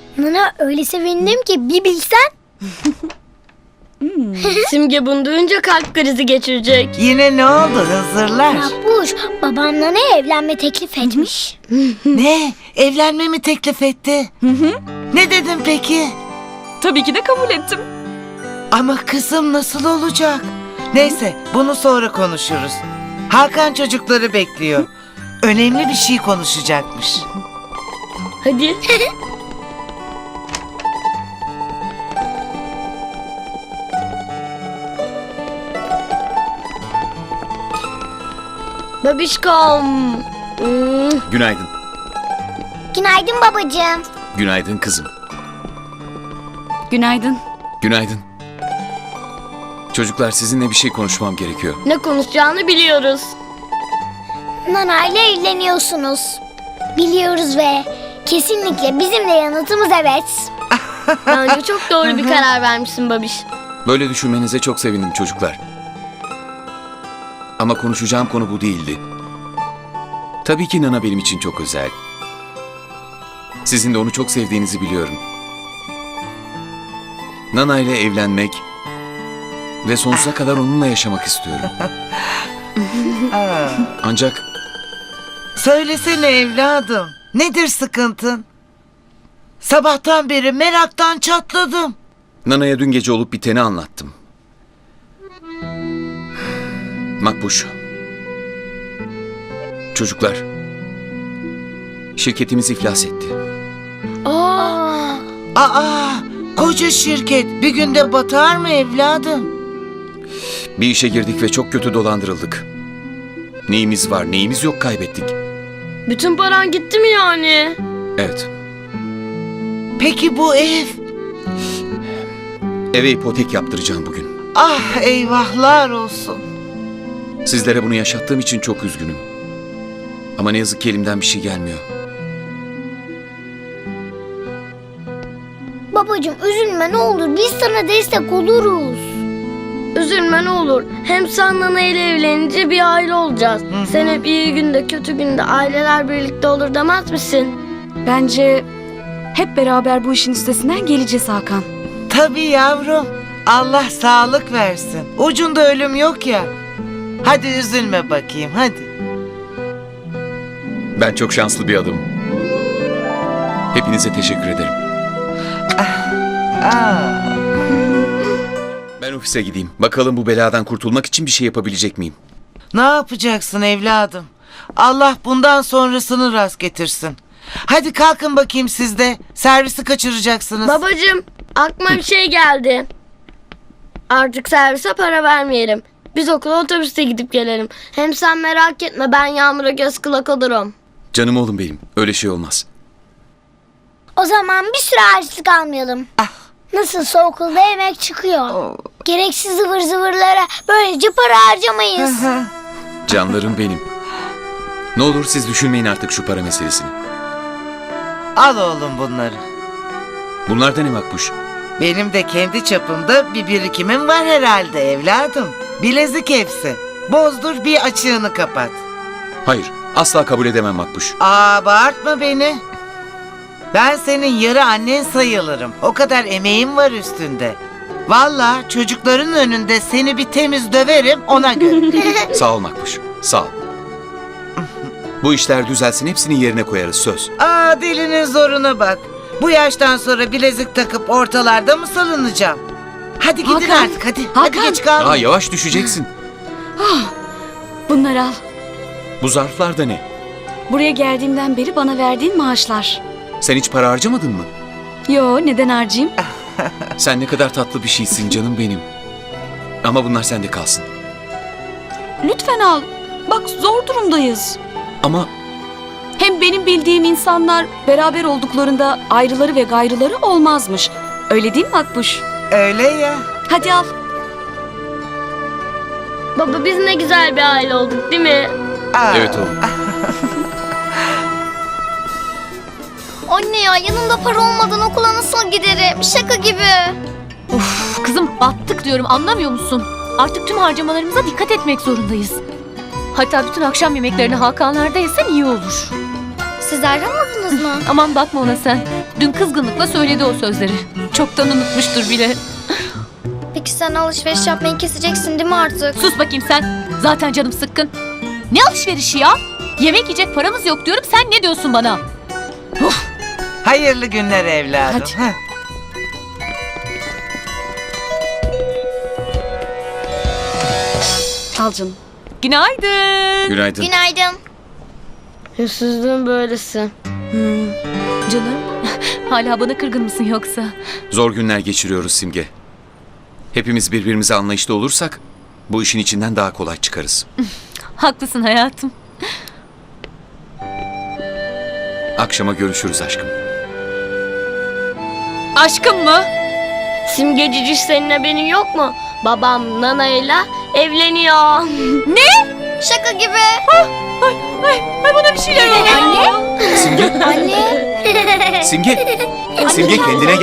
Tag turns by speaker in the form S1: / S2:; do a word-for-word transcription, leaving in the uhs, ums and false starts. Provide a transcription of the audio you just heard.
S1: Nana öyle sevindim ki bir bilsen.
S2: Hmm. Simge bunu duyunca kalp krizi geçirecek.
S3: Yine ne oldu Hızırlar?
S1: Makbuş, babam Nana'ya evlenme teklif etmiş.
S3: Ne? Evlenme mi teklif etti? Ne dedin peki?
S4: Tabii ki de kabul ettim.
S3: Ama kızım nasıl olacak? Neyse bunu sonra konuşuruz. Hakan çocukları bekliyor. Önemli bir şey konuşacakmış.
S2: Hadi. Babişkom. Hmm.
S5: Günaydın.
S1: Günaydın babacığım.
S5: Günaydın kızım.
S4: Günaydın.
S5: Günaydın. Çocuklar sizinle bir şey konuşmam gerekiyor.
S2: Ne konuşacağını biliyoruz.
S1: Nana ile evleniyorsunuz. Biliyoruz ve kesinlikle bizim de yanıtımız evet.
S2: Bence çok doğru bir karar vermişsin babiş.
S5: Böyle düşünmenize çok sevindim çocuklar. Ama konuşacağım konu bu değildi. Tabii ki Nana benim için çok özel. Sizin de onu çok sevdiğinizi biliyorum. Nana ile evlenmek ve sonsuza kadar onunla yaşamak istiyorum.
S3: Aa,
S5: Ancak
S3: söylesene evladım. Nedir sıkıntın? Sabahtan beri meraktan çatladım.
S5: Nana'ya dün gece olup biteni anlattım. Makbuş. Çocuklar. Şirketimiz iflas etti.
S2: Aa,
S3: Aa, koca şirket bir günde batar mı evladım?
S5: Bir işe girdik ve çok kötü dolandırıldık. Neyimiz var, neyimiz yok kaybettik.
S2: bütün paran gitti mi yani?
S5: Evet.
S3: Peki bu ev?
S5: Eve ipotek yaptıracağım bugün.
S3: Ah eyvahlar olsun.
S5: Sizlere bunu yaşattığım için çok üzgünüm. Ama ne yazık ki elimden bir şey gelmiyor.
S1: Babacığım üzülme ne olur biz sana destek oluruz.
S2: Üzülme ne olur. Hem sen Nana ile evlenince bir aile olacağız. Sen hep iyi günde kötü günde aileler birlikte olur demez misin?
S4: Bence hep beraber bu işin üstesinden geleceğiz Hakan.
S3: Tabii yavrum. Allah sağlık versin. Ucunda ölüm yok ya. Hadi üzülme bakayım hadi.
S5: Ben çok şanslı bir adamım. Hepinize teşekkür ederim.
S3: Aa,
S5: Ben ofise gideyim. Bakalım bu beladan kurtulmak için bir şey yapabilecek miyim?
S3: ne yapacaksın evladım? Allah bundan sonrasını rast getirsin. Hadi kalkın bakayım siz de. Servisi kaçıracaksınız.
S2: Babacığım aklıma bir şey geldi. Artık servise para vermeyelim. Biz okula otobüste gidip gelelim. Hem sen merak etme ben Yağmur'a göz kulak olurum.
S5: Canım oğlum benim. Öyle şey olmaz.
S1: O zaman bir süre harçlık almayalım. Nasılsa okulda yemek çıkıyor. Gereksiz zıvır zıvırlara böylece para harcamayız.
S5: Canlarım benim. Ne olur siz düşünmeyin artık şu para meselesini.
S3: Al oğlum bunları.
S5: Bunlar da ne Makbuş?
S3: Benim de kendi çapımda bir birikimim var herhalde evladım. Bilezik hepsi. Bozdur bir açığını kapat.
S5: Hayır. Asla kabul edemem Makbuş.
S3: Aa bağırtma beni. Ben senin yarı annen sayılırım. O kadar emeğim var üstünde. Vallahi çocukların önünde seni bir temiz döverim ona göre.
S5: Sağ ol Makbuş. Sağ ol. Bu işler düzelsin hepsini yerine koyarız söz.
S3: Aa dilinin zoruna bak. Bu yaştan sonra bilezik takıp ortalarda mı salınacağım? Hadi gidin
S4: Hakan,
S3: artık hadi. Hadi
S4: Hakan.
S3: geç kalma.
S5: Aa yavaş düşeceksin.
S4: Bunları al.
S5: Bu zarflar da ne?
S4: Buraya geldiğimden beri bana verdiğin maaşlar.
S5: Sen hiç para harcamadın mı?
S4: Yo, neden harcayayım?
S5: Sen ne kadar tatlı bir şeysin canım benim. Ama bunlar sende kalsın.
S4: Lütfen al. Bak zor durumdayız.
S5: Ama
S4: Hem benim bildiğim insanlar beraber olduklarında ayrıları ve gayrıları olmazmış. Öyle değil mi Makbuş?
S3: Öyle ya.
S4: Hadi al.
S2: Baba biz ne güzel bir aile olduk değil mi?
S3: Aa.
S5: evet oğlum.
S1: Anne ya yanımda para olmadan okula nasıl giderim? Şaka gibi.
S6: Of kızım battık diyorum anlamıyor musun? Artık tüm harcamalarımıza dikkat etmek zorundayız. Hatta bütün akşam yemeklerini Hakanlar'da yesen iyi olur.
S7: Siz ayrılmadınız mı?
S6: Aman bakma ona sen. Dün kızgınlıkla söyledi o sözleri. Çoktan unutmuştur bile.
S7: Peki sen alışveriş yapmayı keseceksin değil mi artık?
S6: Sus bakayım sen. Zaten canım sıkkın. Ne alışverişi ya? Yemek yiyecek paramız yok diyorum. Sen ne diyorsun bana?
S3: Hayırlı günler evladım.
S6: Hadi.
S3: Heh.
S4: Al canım.
S6: Günaydın.
S5: Günaydın.
S7: Günaydın.
S2: Hırsızlığın böylesi.
S6: Canım. Hala bana kırgın mısın yoksa?
S5: Zor günler geçiriyoruz Simge. Hepimiz birbirimize anlayışlı olursak bu işin içinden daha kolay çıkarız.
S6: Haklısın hayatım.
S5: Akşama görüşürüz aşkım.
S6: Aşkım mı?
S2: Simge Ciciş senin haberin yok mu? Babam Nana'yla evleniyor.
S7: Şaka gibi.
S6: Ay, ay bana bir şeyler oldu.
S5: Simge,
S1: Anne.
S5: Simge, Simge kendine gel.